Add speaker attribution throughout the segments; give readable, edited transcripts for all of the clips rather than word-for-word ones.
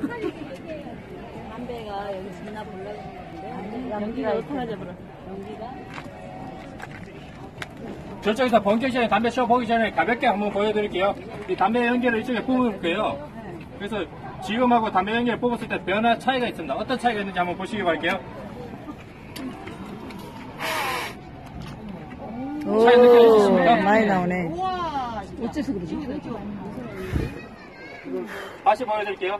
Speaker 1: 담배가 여기 진나 보려고 했는데 연기가 어떡하자 그래. 연기가
Speaker 2: 저쪽에서 본격 시간에 담배 쇼 보기 전에 가볍게 한번 보여드릴게요. 이 담배 연기를 이쪽에 뽑아볼게요. 그래서 지금하고 담배 연기를 뽑았을 때 변화 차이가 있습니다. 어떤 차이가 있는지 한번 보시기 바랄게요. 차이 느껴지십니까?
Speaker 3: 많이 나오네.
Speaker 1: 어째서 그러지?
Speaker 2: 다시 보여드릴게요.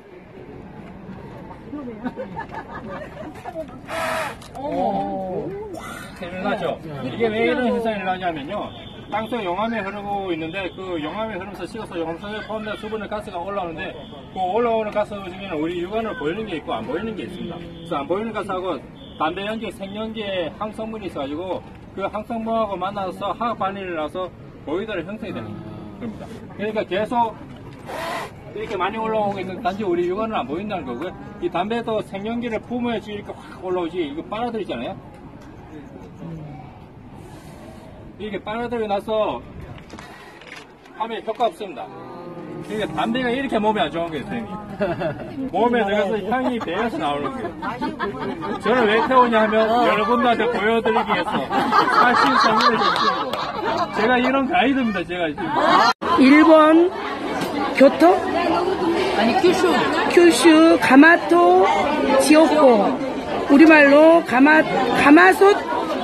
Speaker 2: 일어나죠. 이게 왜 이런 현상이 일어나냐면요. 땅속 용암이 흐르고 있는데 그 용암이 흐르면서 식어서 용암속에 포함된 수분의 가스가 올라오는데 그 올라오는 가스 중에는 우리 육안으로 보이는 게 있고 안 보이는 게 있습니다. 그래서 안 보이는 가스하고 담배 연기, 생연기에 항성분이 있어가지고 그 항성분하고 만나서 화학 반응이 나서 보이더라 형성이 되는 겁니다. 그러니까 계속 이렇게 많이 올라오고 있는 단지 우리 육안은 안 보인다는 거고요. 이 담배도 생연기를 품어야지 이렇게 확 올라오지 이거 빨아들이잖아요. 이렇게 빨아들이고 나서 하면 효과 없습니다. 그러니까 담배가 이렇게 몸에 안 좋은 거예요, 선생님. 몸에 들어가서 향이 배어서 나오는 거예요. 저는 왜 태우냐 하면 여러분들한테 보여드리기 위해서 사실 정리를 줬습니다. 제가 이런 가이드입니다, 제가 지금.
Speaker 3: 일본 교토?
Speaker 1: 아니
Speaker 3: 큐슈 가마토 지옥고 우리말로 가마솥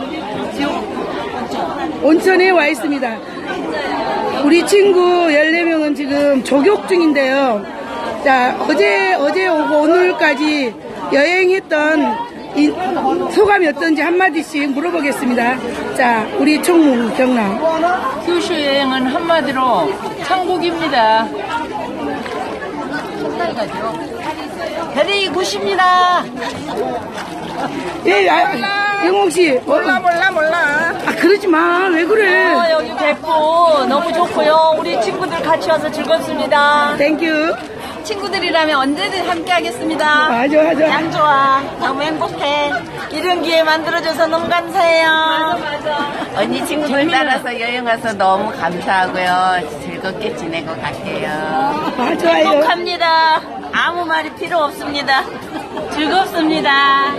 Speaker 3: 온천에 와 있습니다. 우리 친구 14명은 지금 조격 중인데요. 자, 어제 오고 오늘까지 여행했던 소감이 어떤지 한마디씩 물어보겠습니다. 자, 우리 총무 경남.
Speaker 1: 큐슈 여행은 한마디로 천국입니다. 첫날 가죠. 별이 굿입니다.
Speaker 3: 예, 영옥씨.
Speaker 1: 몰라.
Speaker 3: 아, 그러지 마. 왜 그래?
Speaker 1: 여기 백구 너무 좋고요. 우리 친구들 같이 와서 즐겁습니다.
Speaker 3: 땡큐.
Speaker 1: 친구들이라면 언제든 함께 하겠습니다.
Speaker 3: 맞아.
Speaker 1: 양 좋아. 너무 행복해. 이런 기회 만들어줘서 너무 감사해요. 맞아.
Speaker 4: 언니 친구들 따라서 여행 가서 너무 감사하고요. 즐겁게 지내고 갈게요.
Speaker 3: 아, 좋아요.
Speaker 1: 행복합니다. 아무 말이 필요 없습니다. 즐겁습니다.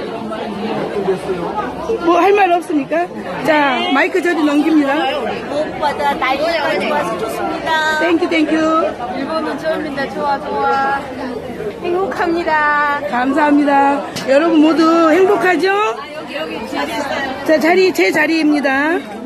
Speaker 3: 뭐 할 말 없습니까? 자, 마이크 저리 넘깁니다.
Speaker 1: 무엇보다 날씨가 좋아서 좋습니다.
Speaker 3: 땡큐.
Speaker 1: 일본은 처음인데 좋아. 행복합니다.
Speaker 3: 감사합니다. 여러분 모두 행복하죠? 자, 제 자리입니다.